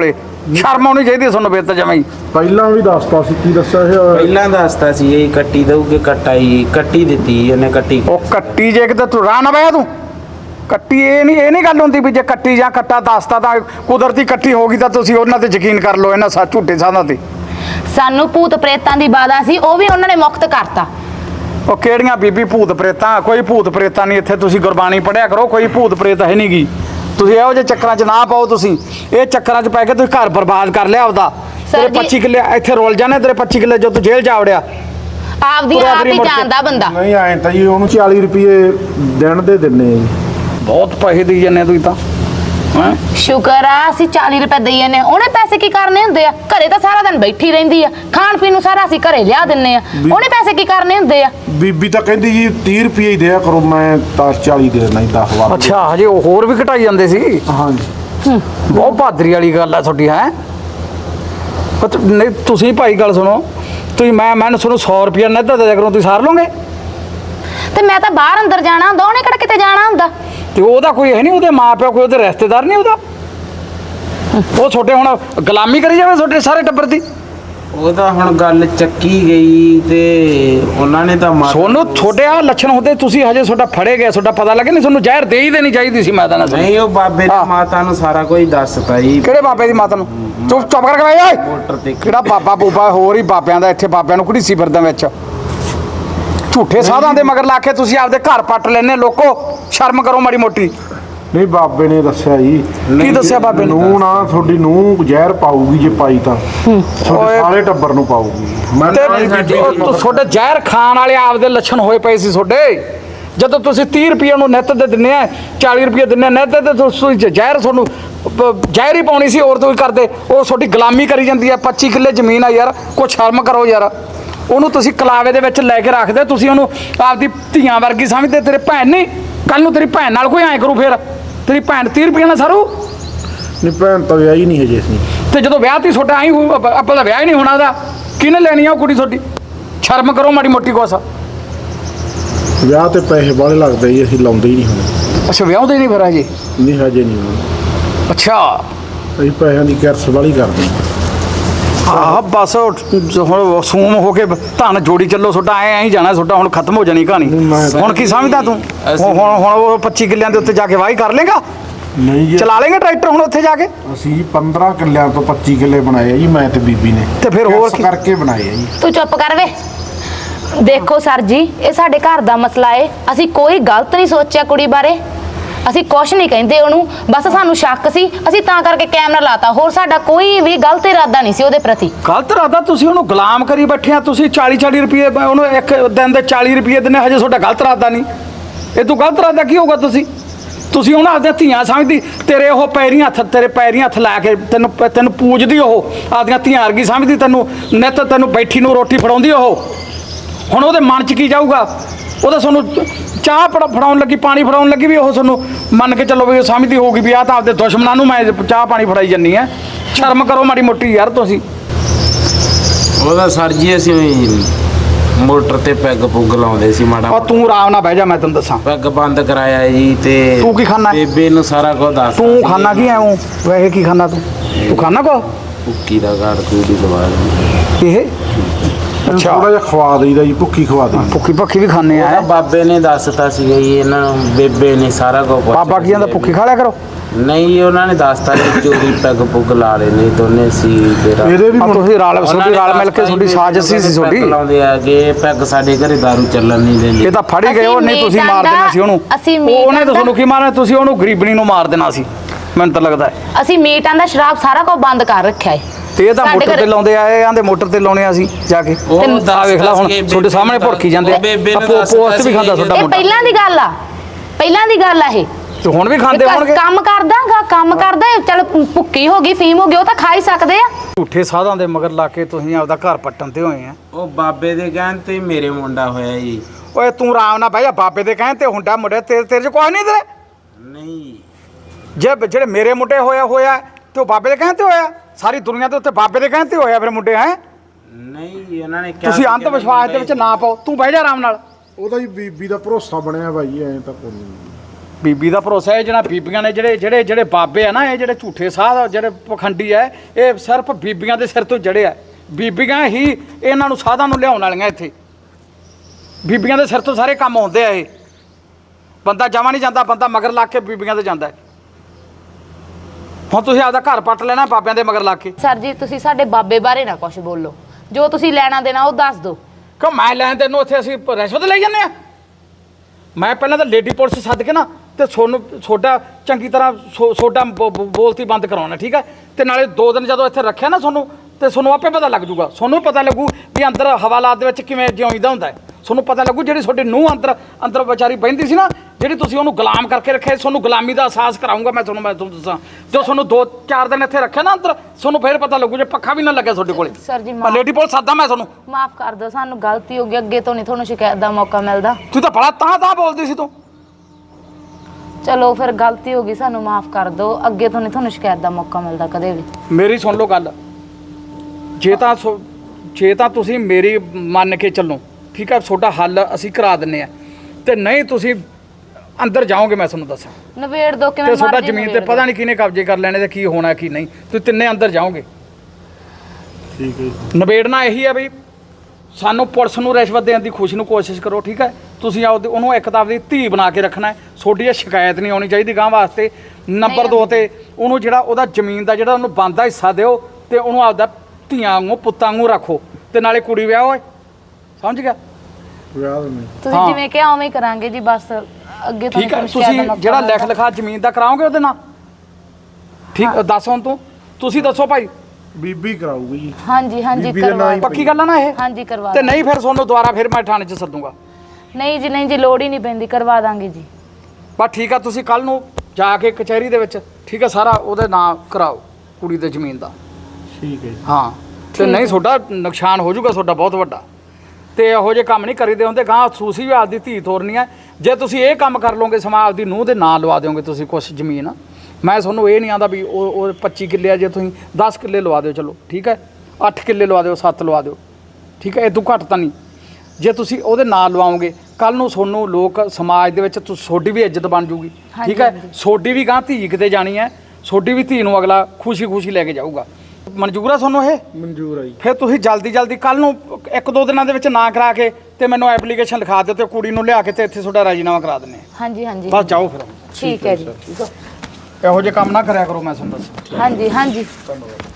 ਸ਼ਰਮ ਆਉਣੀ ਚਾਹੀਦੀ ਤੁਹਾਨੂੰ ਬੇਤ ਜਮਾਈ।
ਪਹਿਲਾਂ ਵੀ ਦੱਸਤਾ ਸੀ, ਕੀ ਦੱਸਿਆ ਸੀ?
ਪਹਿਲਾਂ ਦੱਸਤਾ ਸੀ ਇਹ ਕੱਟੀ ਦਊਗੇ, ਕੱਟਾ ਹੀ ਕੱਟੀ ਦਿੱਤੀ ਉਹਨੇ ਕੱਟੀ।
ਉਹ ਕੱਟੀ ਜੇ ਕਿਤੇ ਤੂੰ ਰਾਹ ਨਾ ਬਹਿ ਤੂੰ ਕੱਟੀ, ਇਹ ਨਹੀਂ ਇਹ ਨਹੀਂ ਗੱਲ ਹੁੰਦੀ ਵੀ ਜੇ ਕੱਟੀ ਜਾਂ ਕੱਟਾ ਦੱਸਤਾ ਤਾਂ ਕੁਦਰਤੀ ਕੱਟੀ ਹੋ ਗਈ ਤਾਂ ਤੁਸੀਂ ਉਹਨਾਂ ਤੇ ਯਕੀਨ ਕਰ ਲਓ, ਇਹਨਾਂ ਸੱਚ ਝੂਠੇ ਸਾਧਾਂ ਤੇ।
ਸਾਨੂੰ ਭੂਤ ਪ੍ਰੇਤਾਂ ਦੀ ਬਾधा ਸੀ, ਉਹ ਵੀ ਉਹਨਾਂ ਨੇ ਮੁਕਤ ਕਰਤਾ।
ਉਹ ਕਿਹੜੀਆਂ ਬੀਬੀ ਭੂਤ ਪ੍ਰੇਤਾਂ? ਕੋਈ ਭੂਤ ਪ੍ਰੇਤਾਂ ਨਹੀਂ ਇੱਥੇ। ਤੁਸੀਂ ਗੁਰਬਾਣੀ ਪੜ੍ਹਿਆ ਕਰੋ, ਕੋਈ ਭੂਤ ਪ੍ਰੇਤ ਹੈ ਨਹੀਂ ਗੀ। ਤੁਸੀਂ ਇਹੋ ਜਿਹੇ ਚੱਕਰਾਂ 'ਚ ਨਾ ਪਾਓ। ਤੁਸੀਂ ਇਹ ਚੱਕਰਾਂ 'ਚ ਪੈ ਕੇ ਤੁਸੀਂ ਘਰ ਬਰਬਾਦ ਕਰ ਲਿਆ ਆਪਦਾ। ਤੇਰੇ
ਜੀ-
ਪੱਚੀ ਕਿੱਲੇ ਇੱਥੇ ਰੋਲ ਜਾਣੇ, ਤੇਰੇ ਪੱਚੀ ਕਿੱਲੇ ਜੋ ਤੂੰ ਜੇਲ੍ਹ ਜਾ ਵੜਿਆ।
ਆਪਦੀ
ਤੁਰਿਆ
ਆਪ
ਫਿਰੀ
ਹੀ
ਮੁੜ ਕੇ।
ਜਾਣਦਾ ਬੰਦਾ।
ਨਹੀਂ ਆਏ ਤਾਂ ਜੀ ਉਹਨੂੰ ਚਾਲੀ ਰੁਪਏ ਦਿਨ ਦੇ ਦਿੰਨੇ ਆ ਜੀ।
ਬਹੁਤ ਪੈਸੇ ਦੇਈ ਜਾਂਦੇ ਤੁਸੀਂ ਤਾਂ ਹੈਂ।
ਸ਼ੁਕਰ ਆ ਅਸੀਂ ਚਾਲੀ ਰੁਪਏ ਦਈਏ ਨੇ, ਉਹਨੇ ਪੈਸੇ ਕੀ ਕਰਨੇ ਹੁੰਦੇ ਆ? ਘਰੇ ਤਾਂ ਸਾਰਾ ਦਿਨ ਬੈਠੀ ਰਹਿੰਦੀ ਆ, ਖਾਣ ਪੀਣ ਨੂੰ ਸਾਰਾ ਅਸੀਂ ਘਰੇ ਲਿਆ ਦਿੰਨੇ ਆ, ਉਹਨੇ ਪੈਸੇ ਕੀ ਕਰਨੇ ਹੁੰਦੇ ਆ?
ਬੀਬੀ ਤਾਂ ਕਹਿੰਦੀ ਜੀ ਤੀਹ ਰੁਪਏ ਹੀ ਦਿਆ ਕਰੋ, ਮੈਂ ਤਾਂ ਚਾਲੀ ਦੇ ਦੇਣਾ ਜੀ, ਦਸ ਵਾਰ।
ਅੱਛਾ, ਹਜੇ ਉਹ ਹੋਰ ਵੀ ਘਟਾਈ ਜਾਂਦੇ ਸੀ।
ਹਾਂਜੀ।
ਬਹੁਤ ਬਹਾਦਰੀ ਵਾਲੀ ਗੱਲ ਆ ਤੁਹਾਡੀ ਹੈ। ਨਹੀਂ ਤੁਸੀਂ ਭਾਈ ਗੱਲ ਸੁਣੋ, ਤੁਸੀਂ ਮੈਂ ਮੈਂ ਤੁਹਾਨੂੰ ਸੌ ਰੁਪਇਆ ਨਾ ਦੇ ਦਿਆ ਕਰੋ, ਤੁਸੀਂ ਸਾਰ ਲਓਗੇ?
ਤੇ ਮੈਂ ਤਾਂ ਬਾਹਰ ਅੰਦਰ ਜਾਣਾ ਹੁੰਦਾ, ਉਹਨੇ ਕਿਹੜਾ ਕਿਤੇ ਜਾਣਾ ਹੁੰਦਾ?
ਤੇ ਉਹਦਾ ਕੋਈ ਹੈ ਨਹੀਂ, ਉਹਦੇ ਮਾਂ ਪਿਓ ਕੋਈ ਉਹਦੇ ਰਿਸ਼ਤੇਦਾਰ ਨਹੀਂ ਉਹਦਾ? ਉਹ ਛੋਟੇ ਹੁਣ ਗੁਲਾਮੀ ਕਰੀ ਜਾਵੇ ਤੁਹਾਡੇ ਸਾਰੇ ਟੱਬਰ ਦੀ।
ਉਹ ਤਾਂ ਹੁਣ ਗੱਲ ਚੱਕੀ ਗਈ ਤੇ ਉਹਨਾਂ ਨੇ ਤਾਂ ਮਾਰ
ਸੋਨੂੰ ਤੁਹਾਡੇ ਆ ਲੱਛਣ ਹੁੰਦੇ, ਤੁਸੀਂ ਹਜੇ ਤੁਹਾਡਾ ਫੜੇ ਗਏ, ਤੁਹਾਡਾ ਪਤਾ ਲੱਗੇ ਨਹੀਂ, ਤੁਹਾਨੂੰ ਜ਼ਹਿਰ ਦੇ ਹੀ ਦੇਣੀ ਚਾਹੀਦੀ ਸੀ। ਮੈਂ ਤਾਂ ਨਾ
ਨਹੀਂ, ਉਹ ਬਾਬੇ ਨੇ
ਹਾਂ।
ਮਾਤਾ ਨੂੰ ਸਾਰਾ ਕੁਝ ਦੱਸਤਾ ਜੀ।
ਕਿਹੜੇ ਬਾਬੇ ਦੀ ਮਾਤਾ ਨੂੰ? ਚੁੱਪ ਚੁੱਪ ਕਰਕੇ ਬਹਿ ਜਾ।
ਮੋਟਰ ਤੇ
ਕਿਹੜਾ ਬਾਬਾ ਬੂਬਾ? ਹੋਰ ਹੀ ਬਾਬਿਆਂ ਦਾ ਇੱਥੇ ਬਾਬਿਆਂ ਨੂੰ ਘੜੀਸੀ ਫਿਰਦਾ ਵਿੱਚ। ਝੂਠੇ ਸਾਧਾਂ ਦੇ ਮਗਰ ਲਾ ਕੇ ਤੁਸੀਂ ਆਪਦੇ ਘਰ ਪੱਟ ਲੈਨੇ। ਲੋਕੋ ਸ਼ਰਮ ਕਰੋ ਮਾੜੀ ਮੋਟੀ।
ਨਹੀਂ, ਬਾਬੇ ਨੇ ਦੱਸਿਆ ਜੀ।
ਕੀ ਦੱਸਿਆ ਬਾਬੇ ਨੇ?
ਨੂੰ ਨਾ ਤੁਹਾਡੀ ਨੂੰ ਜ਼ਹਿਰ ਪਾਊਗੀ ਜੇ ਪਾਈ ਤਾਂ ਤੁਹਾਡੇ
ਓਏ।
ਸਾਰੇ ਟੱਬਰ ਨੂੰ ਪਾਊਗੀ। ਮੈਂ
ਤੇ
ਤਾਂ ਇਹ
ਉਹ ਤੁ- ਤੁਹਾਡੇ ਜ਼ਹਿਰ ਖਾਣ ਵਾਲੇ ਆਪਦੇ ਲੱਛਣ ਹੋਏ ਪਏ ਸੀ ਤੁਹਾਡੇ। ਜਦੋਂ ਤੁਸੀਂ ਤੀਹ ਰੁਪਏ ਨੂੰ ਨਿੱਤ ਦੇ ਦਿੰਨੇ ਆ, ਚਾਲੀ ਰੁਪਏ ਦਿੰਨੇ ਆ ਨਿੱਤ ਦੇ, ਤੇ ਤੁਸੀਂ ਜ਼ਹਿਰ ਤੁਹਾਨੂੰ ਪ- ਜ਼ਹਿਰ ਹੀ ਪਾਉਣੀ ਸੀ, ਹੋਰ ਤੁਸੀਂ ਕਰਦੇ। ਉਹ ਤੁਹਾਡੀ ਗੁਲਾਮੀ ਕਰੀ ਜਾਂਦੀ ਹੈ। ਪੱਚੀ ਕਿੱਲੇ ਜ਼ਮੀਨ ਆ ਯਾਰ, ਕੁਛ ਸ਼ਰਮ ਕਰੋ ਯਾਰ। ਉਹਨੂੰ ਤੁਸੀਂ ਕਲਾਵੇ ਦੇ ਵਿੱਚ ਲੈ ਕੇ ਰੱਖਦੇ, ਤੁਸੀਂ ਉਹਨੂੰ ਆਪਦੀ ਧੀਆਂ ਵਰਗੀ ਸਮਝਦੇ। ਤੇਰੇ ਭੈਣ ਨਹੀਂ, ਕੱਲ ਨੂੰ ਤੇਰੀ ਭੈਣ ਨਾਲ ਕੋਈ ਐਂ ਕਰੂ ਫਿਰ ਤੇਰੀ ਭੈਣ ਤੀਹ ਰੁਪਏ ਨਾਲ ਸਾਰੂ।
ਨਹੀਂ, ਭੈਣ ਤਾਂ ਵਿਆਹੀ ਨਹੀਂ ਹਜੇ ਅਸੀਂ।
ਤੇ ਜਦੋਂ ਵਿਆਹ ਤੀ ਛੋਟਾ ਆਈ ਆਪਾਂ ਦਾ ਵਿਆਹ ਹੀ ਨਹੀਂ ਹੋਣਾ ਉਹਦਾ, ਕਿਹਨੇ ਲੈਣੀ ਆ ਉਹ ਕੁੜੀ ਤੁਹਾਡੀ? ਸ਼ਰਮ ਕਰੋ ਮਾੜੀ ਮੋਟੀ ਕੋਸਾ।
ਵਿਆਹ ਤੇ ਪੈਸੇ ਬਾਹਲੇ ਲੱਗਦੇ ਜੀ, ਅਸੀਂ ਲਾਉਂਦੇ ਹੀ ਨਹੀਂ ਹੁਣ।
ਅੱਛਾ, ਵਿਆਹੁੰਦੇ ਨਹੀਂ ਫਿਰ ਹਜੇ?
ਨਹੀਂ, ਹਜੇ ਨਹੀਂ ਹੋਣਾ।
ਅੱਛਾ,
ਅਸੀਂ ਪੈਸਿਆਂ ਦੀ ਕਿਰਸ ਵਾਲੀ ਕਰਦੇ ਹਾਂ।
ਹਾਂ ਬਸ ਉਹ ਹੁਣ ਸੂਮ ਹੋ ਕੇ ਧਨ ਜੋੜੀ ਚੱਲੋ। ਤੁਹਾਡਾ ਐ ਐਂ ਹੀ ਜਾਣਾ ਤੁਹਾਡਾ, ਹੁਣ ਖਤਮ ਹੋ ਜਾਣੀ ਕਹਾਣੀ।
ਮੈਂ-
ਹੁਣ ਕੀ ਸਮਝਦਾ ਤੂੰ? ਹੁਣ ਹੁਣ ਹੁਣ ਉਹ ਪੱਚੀ ਕਿੱਲਿਆਂ ਦੇ ਉੱਤੇ ਜਾ ਕੇ ਵਾਹੀ ਕਰ ਲੇਗਾ?
ਨਹੀਂ ਜੀ,
ਚਲਾ ਲੇਗਾ ਟਰੈਕਟਰ ਹੁਣ ਉੱਥੇ ਜਾ ਕੇ?
ਅਸੀਂ ਪੰਦਰਾਂ ਕਿੱਲਿਆਂ ਤੋਂ ਪੱਚੀ ਕਿੱਲੇ ਬਣਾਏ ਆ ਜੀ, ਮੈਂ ਤੇ ਬੀਬੀ ਨੇ।
ਤੇ ਫਿਰ ਹੋਰ
ਕਿਰਸ
ਕੀ?
ਕਰਕੇ ਬਣਾਏ ਆ ਜੀ।
ਤੂੰ ਚੁੱਪ ਕਰ ਵੇ। ਦੇਖੋ ਸਰ ਜੀ, ਇਹ ਸਾਡੇ ਘਰ ਦਾ ਮਸਲਾ ਏ। ਅਸੀਂ ਕੋਈ ਗਲਤ ਨਹੀਂ ਸੋਚਿਆ ਕੁੜੀ ਬਾਰੇ, ਅਸੀਂ ਕੁਛ ਨਹੀਂ ਕਹਿੰਦੇ ਉਹਨੂੰ, ਬਸ ਸਾਨੂੰ ਸ਼ੱਕ ਸੀ, ਅਸੀਂ ਤਾਂ ਕਰਕੇ ਕੈਮਰਾ ਲਾਤਾ। ਹੋਰ ਸਾਡਾ ਕੋਈ ਵੀ ਗਲਤ ਇਰਾਦਾ ਨਹੀਂ ਸੀ ਉਹਦੇ ਪ੍ਰਤੀ।
ਗਲਤ ਇਰਾਦਾ? ਤੁਸੀਂ ਉਹਨੂੰ ਗੁਲਾਮ ਕਰੀ ਬੈਠੇ ਆ। ਤੁਸੀਂ ਚਾਲੀ ਚਾਲੀ ਰੁਪਏ ਉਹਨੂੰ ਇੱਕ ਦਿਨ ਦੇ ਚਾਲੀ ਰੁਪਏ ਦਿੰਦੇ, ਹਜੇ ਤੁਹਾਡਾ ਗਲਤ ਇਰਾਦਾ ਨਹੀਂ। ਇਹ ਤੋਂ ਗਲਤ ਇਰਾਦਾ ਕੀ ਹੋਊਗਾ? ਤੁਸੀਂ ਤੁਸੀਂ ਉਹਨਾਂ ਆਪਦੀਆਂ ਧੀਆਂ ਸਮਝਦੀ। ਤੇਰੇ ਉਹ ਪੈਰੀਂ ਹੱਥ, ਤੇਰੇ ਪੈਰੀਂ ਹੱਥ ਲਾ ਕੇ ਤੈਨੂੰ ਤੈਨੂੰ ਪੂਜਦੀ ਉਹ, ਆਪਦੀਆਂ ਧੀਆਂ ਵਰਗੀ ਸਮਝਦੀ ਤੈਨੂੰ। ਨਿੱਤ ਤੈਨੂੰ ਬੈਠੀ ਨੂੰ ਰੋਟੀ ਫੜਾਉਂਦੀ ਉਹ। ਹੁਣ ਉਹਦੇ ਮਨ 'ਚ ਕੀ ਜਾਊਗਾ? ਉਹਦਾ ਤੁਹਾਨੂੰ ਚਾਹ ਫੜਾ ਫੜਾਉਣ ਲੱਗੀ, ਪਾਣੀ ਫੜਾਉਣ ਲੱਗੀ ਵੀ ਉਹ ਤੁਹਾਨੂੰ ਮੰਨ ਕੇ ਚੱਲੋ ਵੀ ਉਹ ਸਮਝਦੀ ਹੋਊਗੀ ਵੀ ਆਹ ਤਾਂ ਆਪਦੇ ਦੁਸ਼ਮਣਾਂ ਨੂੰ ਮੈਂ ਚਾਹ ਪਾਣੀ ਫੜਾਈ ਜੰਨੀ ਹੈ। ਸ਼ਰਮ ਕਰੋ ਮਾੜੀ ਮੋਟੀ ਯਾਰ ਤੁਸੀਂ।
ਉਹਦਾ ਸਰ ਜੀ ਅਸੀਂ ਮੋਟਰ ਤੇ ਪੈਗ ਪੁੱਗ ਲਾਉਂਦੇ ਸੀ ਮਾੜਾ
ਆ ਤੂੰ ਆਰਾਮ ਨਾਲ ਬਹਿ ਜਾ, ਮੈਂ ਤੈਨੂੰ ਦੱਸਾਂ।
ਪੈਗ ਬੰਦ ਕਰਾਇਆ ਜੀ। ਤੇ
ਤੂੰ ਕੀ ਖਾਨਾ?
ਬੇਬੇ ਨੂੰ ਸਾਰਾ ਕੁਝ ਦੱਸ।
ਤੂੰ ਖਾਣਾ ਕੀ ਐ? ਵੈਸੇ ਕੀ ਖਾਣਾ ਤੂੰ? ਤੂੰ ਖਾਣਾ ਕੋ?
ਭੁੱਕੀ ਦਾ ਗਾੜ ਕੂੜੀ ਲਵਾ ਲਈ।
ਇਹ ਅੱਛਾ,
ਥੋੜਾ ਜਿਹਾ ਖਵਾ ਦੇਈਦਾ ਜੀ, ਭੁੱਖੀ ਖਵਾ ਦੇਈਦੀ।
ਭੁੱਖੀ ਭੱਖੀ ਵੀ ਖਾਣੇ ਆ?
ਉਹਦਾ ਬਾਬੇ ਨੇ ਦੱਸਤਾ ਸੀਗਾ ਜੀ ਇਹਨਾਂ ਨੂੰ, ਬੇਬੇ ਨੇ ਸਾਰਾ ਕੁਝ ਪੁੱਛ
ਬਾਬਾ ਕੀ ਕਹਿੰਦਾ? ਭੁੱਖੀ ਖਾ ਲਿਆ ਕਰੋ।
ਨਹੀਂ, ਉਹਨਾਂ ਨੇ ਦੱਸਤਾ ਜੀ ਚੋਰੀ ਪੈਗ ਪੁੱਗ ਲਾ ਲਏ ਨੇ ਦੋਨੇ ਸੀ ਤੇਰਾ।
ਇਹਦੇ ਵੀ
ਆ ਤੁਸੀਂ ਰਲ
ਉਹਨਾਂ
ਤੁਹਾਡੀ
ਨੇ
ਰਲ ਮਿਲ ਕੇ
ਦੱਸਤਾ
ਤੁਹਾਡੀ
ਜੀ
ਸਾਜ਼ਿਸ਼ ਸੀ
ਪੈਗ
ਤੁਹਾਡੀ।
ਲਾਉਂਦੇ ਆ ਕਿ ਪੈਗ ਸਾਡੇ ਘਰੇ ਦਾਰੂ ਚੱਲਣ ਨਹੀਂ ਦਿੰਦੇ।
ਇਹ ਤਾਂ ਫੜ ਹੀ ਗਏ ਉਹ, ਨਹੀਂ ਤੁਸੀਂ ਮਾਰ ਦੇਣਾ ਸੀ ਉਹਨੂੰ।
ਅਸੀਂ
ਉਹ-
ਮੀਟ
ਉਹਨੇ ਤਾਂ
ਆਂਦਾ-
ਤੁਹਾਨੂੰ ਕੀ ਮਾਰਨਾ? ਤੁਸੀਂ ਉਹਨੂੰ ਗਰੀਬਣੀ ਨੂੰ ਮਾਰ ਦੇਣਾ ਸੀ, ਮੈਨੂੰ ਤਾਂ ਲੱਗਦਾ ਹੈ।
ਅਸੀਂ ਮੀਟਾਂ ਦਾ ਸ਼ਰਾਬ ਸਾਰਾ ਕੁਝ ਬੰਦ ਕਰ ਰੱਖਿਆ ਏ।
ਤੇ ਇਹ ਤਾਂ
ਸਾਡੇ
ਮੋਟਰ ਤੇ
ਘਰੇ-
ਲਾਉਂਦੇ ਆ, ਇਹ ਆਂਦੇ ਮੋਟਰ ਤੇ ਲਾਉਣੇ ਆ ਅਸੀਂ ਜਾ ਕੇ।
ਉਹ
ਆ
ਦੱਸ
ਵੇਖ ਲੈ ਹੁਣ
ਕੇ
ਤੁਹਾਡੇ ਸਾਹਮਣੇ
ਬੇਬੇ
ਭੁੜਕੀ ਜਾਂਦੇ ਆ।
ਬੇਬੇ ਨੂੰ
ਆਪੋ-
ਦੱਸਤਾ
ਪੋਸਟ ਵੀ ਖਾਂਦਾ
ਸੀ
ਤੁਹਾਡਾ
ਇਹ
ਮੁੰਡਾ।
ਪਹਿਲਾਂ ਦੀ ਗੱਲ ਆ, ਪਹਿਲਾਂ ਦੀ ਗੱਲ ਆ ਇਹ।
ਤੇ ਹੁਣ ਵੀ ਖਾਂਦੇ
ਕ-
ਹੋਣਗੇ।
ਕੰਮ ਕਰਦਾਗਾ, ਕੰਮ ਕਰਦਾ ਚਲ ਭੁੱਕੀ ਹੋ ਗਈ, ਫੀਮ ਹੋ ਗਈ, ਉਹ ਤਾਂ ਖਾ ਹੀ ਸਕਦੇ ਆ।
ਝੂਠੇ ਸਾਧਾਂ ਦੇ ਮਗਰ ਲਾ ਕੇ ਤੁਸੀਂ ਆਪਦਾ ਘਰ ਪੱਟਣ ਤੇ ਹੋਏ ਆ।
ਉਹ ਬਾਬੇ ਦੇ ਕਹਿਣ ਤੇ ਮੇਰੇ ਮੁੰਡਾ ਹੋਇਆ ਜੀ।
ਓਏ ਤੂੰ ਆਰਾਮ ਨਾਲ ਬਹਿ ਜਾ। ਬਾਬੇ ਦੇ ਕਹਿਣ ਤੇ ਹੁੰਡਾ ਮੁੰਡੇ ਤੇਰੇ ਤੇਰੇ ਚ ਕੁਛ ਨਹੀਂ ਤੇਰੇ।
ਨਹੀਂ,
ਜੇ ਜਿਹੜੇ ਮੇਰੇ ਮੁੰਡੇ ਹੋਇਆ ਹੋਇਆ ਤੇ ਉਹ ਬਾਬੇ ਦੇ ਕਹਿਣ ਤੇ ਹੋਇਆ। ਸਾਰੀ ਦੁਨੀਆ ਦੇ ਉੱਤੇ ਬਾਬੇ ਦੇ ਕਹਿਣ ਤੇ ਹੋਇਆ ਫਿਰ ਮੁੰਡੇ ਹੈ।
ਨਹੀਂ ਉਹਨਾਂ ਨੇ ਕਿਹਾ
ਤੁਸੀਂ
ਸੀ
ਅੰਧ
ਕਿ
ਵਿਸ਼ਵਾਸ ਦੇ ਵਿੱਚ ਨਾ ਪਾਓ। ਤੂੰ ਬਹਿ ਜਾ ਆਰਾਮ ਨਾਲ।
ਉਹਦਾ ਜੀ ਬੀਬੀ ਦਾ ਭਰੋਸਾ ਬਣਿਆ ਬਾਈ, ਐਂ ਤਾਂ ਕੋਈ ਨਹੀਂ।
ਬੀਬੀ ਦਾ ਭਰੋਸਾ ਹੈ। ਜਿਹੜਾ ਬੀਬੀਆਂ ਨੇ ਜਿਹੜੇ ਜਿਹੜੇ ਜਿਹੜੇ ਬਾਬੇ ਆ ਨਾ, ਇਹ ਜਿਹੜੇ ਝੂਠੇ ਸਾਧ ਜਿਹੜੇ ਪਖੰਡੀ ਹੈ, ਇਹ ਸਿਰਫ ਬੀਬੀਆਂ ਦੇ ਸਿਰ ਤੋਂ ਜੜੇ ਆ। ਬੀਬੀਆਂ ਹੀ ਇਹਨਾਂ ਨੂੰ ਸਾਧਾਂ ਨੂੰ ਲਿਆਉਣ ਵਾਲੀਆਂ ਇੱਥੇ। ਬੀਬੀਆਂ ਦੇ ਸਿਰ ਤੋਂ ਸਾਰੇ ਕੰਮ ਹੁੰਦੇ ਆ। ਇਹ ਬੰਦਾ ਜਮਾਂ ਨਹੀਂ ਜਾਂਦਾ, ਬੰਦਾ ਮਗਰ ਲੱਗ ਕੇ ਬੀਬੀਆਂ ਤੇ ਜਾਂਦਾ ਹੈ। ਹੁਣ ਤੁਸੀਂ ਆਪਦਾ ਘਰ ਪੱਟ ਲੈਣਾ ਬਾਬਿਆਂ ਦੇ ਮਗਰ ਲੱਗ ਕੇ।
ਸਰ ਜੀ ਤੁਸੀਂ ਸਾਡੇ ਬਾਬੇ ਬਾਰੇ ਨਾ ਕੁਝ ਬੋਲੋ, ਜੋ ਤੁਸੀਂ ਲੈਣਾ ਦੇਣਾ ਉਹ ਦੱਸ ਦਿਓ।
ਕਿਉਂ ਮੈਂ ਲੈਣ ਤੈਨੂੰ ਇੱਥੇ ਅਸੀਂ ਰਿਸ਼ਵਤ ਲਈ ਜਾਂਦੇ ਆ? ਮੈਂ ਪਹਿਲਾਂ ਤਾਂ ਲੇਡੀ ਪੁਲਿਸ ਸੱਦ ਕੇ ਨਾ ਤੇ ਸੋਨੂੰ ਤੁਹਾਡਾ ਚੰਗੀ ਤਰ੍ਹਾਂ ਤੁਹਾਡਾ ਬੋਲਤੀ ਬੰਦ ਕਰਾਉਣਾ, ਠੀਕ ਹੈ? ਤੇ ਨਾਲੇ ਦੋ ਦਿਨ ਜਦੋਂ ਇੱਥੇ ਰੱਖਿਆ ਨਾ ਤੁਹਾਨੂੰ, ਤੇ ਤੁਹਾਨੂੰ ਆਪੇ ਪਤਾ ਲੱਗ ਜੂਗਾ। ਤੁਹਾਨੂੰ ਪਤਾ ਲੱਗੂ ਵੀ ਅੰਦਰ ਹਵਾਲਾਤ ਦੇ ਵਿੱਚ ਕਿਵੇਂ ਜਿਉਂਦਾ ਹੁੰਦਾ ਹੈ। ਤੁਹਾਨੂੰ ਪਤਾ ਲੱਗੂ ਜਿਹੜੀ ਤੁਹਾਡੀ ਨੂੰਹ ਅੰਦਰ ਅੰਦਰ ਵਿਚਾਰੀ ਬਹਿੰਦੀ ਸੀ ਨਾ, ਜਿਹੜੀ ਤੁਸੀਂ ਉਹਨੂੰ ਗੁਲਾਮ ਕਰਕੇ ਰੱਖਿਆ, ਤੁਹਾਨੂੰ ਗੁਲਾਮੀ ਦਾ ਅਹਿਸਾਸ ਕਰਾਊਂਗਾ ਮੈਂ ਤੁਹਾਨੂੰ। ਮੈਂ ਤੁਹਾਨੂੰ ਦੱਸਾਂ, ਜੋ ਤੁਹਾਨੂੰ ਦੋ ਚਾਰ ਦਿਨ ਇੱਥੇ ਰੱਖਿਆ ਨਾ ਅੰਦਰ, ਤੁਹਾਨੂੰ ਫਿਰ ਪਤਾ ਲੱਗੂ ਜੇ ਪੱਖਾ ਵੀ ਨਾ ਲੱਗਿਆ ਤੁਹਾਡੇ ਕੋਲੇ।
ਸਰ ਜੀ
ਮੈਂ ਲੇਡੀ ਪੁਲਿਸ ਸੱਦਾ ਮੈਂ ਤੁਹਾਨੂੰ।
ਮਾਫ ਕਰ ਦਿਓ, ਸਾਨੂੰ ਗਲਤੀ ਹੋ ਗਈ, ਅੱਗੇ ਤੋਂ ਨਹੀਂ ਤੁਹਾਨੂੰ ਸ਼ਿਕਾਇਤ ਦਾ ਮੌਕਾ ਮਿਲਦਾ।
ਤੂੰ ਤਾਂ ਬੜਾ ਤਾਂ ਤਾਂ ਬੋਲਦੀ ਸੀ ਤੂੰ।
ਚਲੋ ਫਿਰ ਗਲਤੀ ਹੋ ਗਈ, ਸਾਨੂੰ ਮਾਫ ਕਰ ਦਿਓ, ਅੱਗੇ ਤੋਂ ਨਹੀਂ ਤੁਹਾਨੂੰ ਸ਼ਿਕਾਇਤ ਦਾ ਮੌਕਾ ਮਿਲਦਾ ਕਦੇ ਵੀ।
ਮੇਰੀ ਸੁਣ ਲਓ ਗੱਲ, ਜੇ ਤਾਂ ਸੋ- ਜੇ ਤਾਂ ਤੁਸੀਂ ਮੇਰੀ ਮੰਨ ਕੇ ਚੱਲੋ, ਠੀਕ ਹੈ, ਤੁਹਾਡਾ ਹੱਲ ਅਸੀਂ ਕਰਾ ਦਿੰਨੇ ਆ, ਤੇ ਨਹੀਂ ਤੁਸੀਂ ਅੰਦਰ ਜਾਓਗੇ ਮੈਂ ਤੁਹਾਨੂੰ ਦੱਸਾਂ।
ਨਵੇੜ ਦੋ ਕਿਵੇਂ
ਤੇ ਤੁਹਾਡਾ
ਮਰਜ਼ੀ
ਜ਼ਮੀਨ ਤੇ
ਨਬੇੜ
ਪਤਾ ਨਹੀਂ ਕਿਹਨੇ ਕਬਜ਼ੇ ਕਰ ਲੈਣੇ ਤੇ ਕੀ ਹੋਣਾ ਕੀ ਨਹੀਂ, ਤੁਸੀਂ ਤਿੰਨੇ ਅੰਦਰ ਜਾਓਗੇ।
ਠੀਕ ਹੈ ਜੀ।
ਨਿਬੇੜਨਾ ਇਹੀ ਹੈ ਵੀ ਸਾਨੂੰ ਪੁਲਿਸ ਨੂੰ ਰਿਸ਼ਵਤ ਦੇਣ ਦੀ ਖੁਸ਼ ਨੂੰ ਕੋਸ਼ਿਸ਼ ਕਰੋ, ਠੀਕ ਹੈ? ਤੁਸੀਂ ਆਪਦੇ ਉਹਨੂੰ ਇੱਕ ਤਾਂ ਆਪਦੀ ਧੀ ਬਣਾ ਕੇ ਰੱਖਣਾ ਹੈ। ਤੁਹਾਡੀ ਇਹ ਸ਼ਿਕਾਇਤ ਨਹੀਂ ਆਉਣੀ ਚਾਹੀਦੀ ਗਾਂ ਵਾਸਤੇ। ਨੰਬਰ ਦੋ ਤੇ ਉਹਨੂੰ ਜਿਹੜਾ ਉਹਦਾ ਜ਼ਮੀਨ ਦਾ ਜਿਹੜਾ ਉਹਨੂੰ ਬਣਦਾ ਹਿੱਸਾ ਦਿਓ, ਤੇ ਉਹਨੂੰ ਆਪਦਾ ਧੀਆਂ ਵਾਂਗੂ ਪੁੱਤਾਂ ਵਾਂਗੂ ਰੱਖੋ, ਤੇ ਨਾਲੇ ਕੁੜੀ ਵਿਆਹ ਓਏ, ਸਮਝ ਗਿਆ?
ਵਿਆਹ ਨਹੀਂ।
ਤੁਸੀਂ
ਹਾਂ।
ਜਿਵੇਂ ਕਿਹਾ ਉਵੇਂ ਹੀ ਕਰਾਂਗੇ ਜੀ, ਬਸ ਅੱਗੇ ਤੋਂ
ਠੀਕ ਹੈ?
ਤੁਹਾਨੂੰ ਸ਼ਿਕਾਇਤ ਦਾ
ਤੁਸੀਂ
ਮੌਕਾ
ਜਿਹੜਾ
ਮਿਲਦਾ।
ਲਿਖ ਲਿਖਾ ਜ਼ਮੀਨ ਦਾ ਕਰਾਓਗੇ ਉਹਦੇ ਨਾਲ, ਠੀਕ? ਦੱਸ ਹੁਣ ਤੂੰ, ਤੁਸੀਂ ਦੱਸੋ ਭਾਈ।
ਬੀਬੀ ਕਰਾਊਗੀ ਜੀ।
ਹਾਂਜੀ ਹਾਂਜੀ
ਬੀਬੀ ਦੇ
ਕਰਵਾ
ਨਾਂ ਹੀ
ਪੱਕੀ ਗੱਲ ਆ ਨਾ ਇਹ?
ਹਾਂਜੀ ਕਰਵਾ
ਤੇ ਨਹੀਂ ਫਿਰ ਤੁਹਾਨੂੰ ਦੁਬਾਰਾ ਫਿਰ ਮੈਂ ਥਾਣੇ 'ਚ ਸੱਦੂਗਾ।
ਨਹੀਂ ਜੀ ਨਹੀਂ ਜੀ, ਲੋੜ ਹੀ ਨਹੀਂ ਪੈਂਦੀ, ਕਰਵਾ ਦਾਂਗੇ ਜੀ।
ਬਸ ਠੀਕ ਆ, ਤੁਸੀਂ ਕੱਲ ਨੂੰ ਜਾ ਕੇ ਕਚਹਿਰੀ ਦੇ ਵਿੱਚ, ਠੀਕ ਹੈ, ਸਾਰਾ ਉਹਦੇ ਨਾਂ ਕਰਾਓ ਕੁੜੀ ਦੇ ਜ਼ਮੀਨ ਦਾ।
ਠੀਕ ਹੈ ਜੀ।
ਹਾਂ, ਤੇ ਨਹੀਂ ਤੁਹਾਡਾ ਨੁਕਸਾਨ ਹੋ ਜਾਊਗਾ ਤੁਹਾਡਾ ਬਹੁਤ ਵੱਡਾ। ਤੇ ਇਹੋ ਜਿਹੇ ਕੰਮ ਨਹੀਂ ਕਰੀਦੇ ਹੁੰਦੇ। ਗਾਂ ਤੁਸੀਂ ਵੀ ਆਪਦੀ ਧੀ ਤੋਰਨੀ ਹੈ। ਜੇ ਤੁਸੀਂ ਇਹ ਕੰਮ ਕਰ ਲਓਗੇ, ਸਮਾਂ ਆਪਦੀ ਨੂੰਹ ਦੇ ਨਾਂ ਲਵਾ ਦਿਓਗੇ ਤੁਸੀਂ ਕੁਛ ਜ਼ਮੀਨ। ਮੈਂ ਤੁਹਾਨੂੰ ਇਹ ਨਹੀਂ ਆਂਦਾ ਵੀ ਉਹ ਉਹ ਪੱਚੀ ਕਿੱਲੇ ਆ, ਜੇ ਤੁਸੀਂ ਦਸ ਕਿੱਲੇ ਲਵਾ ਦਿਓ ਚਲੋ, ਠੀਕ ਹੈ? ਅੱਠ ਕਿੱਲੇ ਲਵਾ ਦਿਓ, ਸੱਤ ਲਵਾ ਦਿਓ, ਠੀਕ ਹੈ? ਇਹ ਤੋਂ ਘੱਟ ਤਾਂ ਨਹੀਂ। ਜੇ ਤੁਸੀਂ ਉਹਦੇ ਨਾਂ ਲਵਾਓਗੇ, ਕੱਲ ਨੂੰ ਤੁਹਾਨੂੰ ਲੋਕ ਸਮਾਜ ਦੇ ਵਿੱਚ ਤੁਹਾਡੀ ਵੀ ਇੱਜ਼ਤ ਬਣ ਜੂਗੀ, ਠੀਕ ਹੈ? ਤੁਹਾਡੀ ਵੀ ਗਾਂ ਧੀ ਕਿਤੇ ਜਾਣੀ ਹੈ, ਤੁਹਾਡੀ ਵੀ ਧੀ ਨੂੰ ਅਗਲਾ ਖੁਸ਼ੀ ਖੁਸ਼ੀ ਲੈ ਕੇ ਜਾਊਗਾ। ਮਨਜ਼ੂਰ ਆ ਤੁਹਾਨੂੰ ਇਹ?
ਮਨਜ਼ੂਰ ਆ ਜੀ।
ਫਿਰ ਤੁਸੀਂ ਜਲਦੀ ਜਲਦੀ ਕੱਲ ਨੂੰ ਇੱਕ ਦੋ ਦਿਨਾਂ ਦੇ ਵਿੱਚ ਨਾਂ ਕਰਾ ਕੇ ਤੇ ਮੈਨੂੰ ਐਪਲੀਕੇਸ਼ਨ ਲਿਖਾ ਦਿਓ, ਤੇ ਕੁੜੀ ਨੂੰ ਲਿਆ ਕੇ ਤੇ ਇੱਥੇ ਤੁਹਾਡਾ ਰਾਜੀਨਾਮਾ ਕਰਾ ਦਿੰਦੇ ਆ।
ਹਾਂਜੀ ਹਾਂਜੀ
ਬਸ ਜਾਓ ਫਿਰ।
ਠੀਕ ਹੈ ਜੀ।
ਇਹੋ ਜਿਹੇ ਕੰਮ ਨਾ ਕਰਿਆ ਕਰੋ, ਮੈਂ ਤੁਹਾਨੂੰ ਦੱਸਾਂ।
ਹਾਂਜੀ ਹਾਂਜੀ
ਧੰਨਵਾਦ।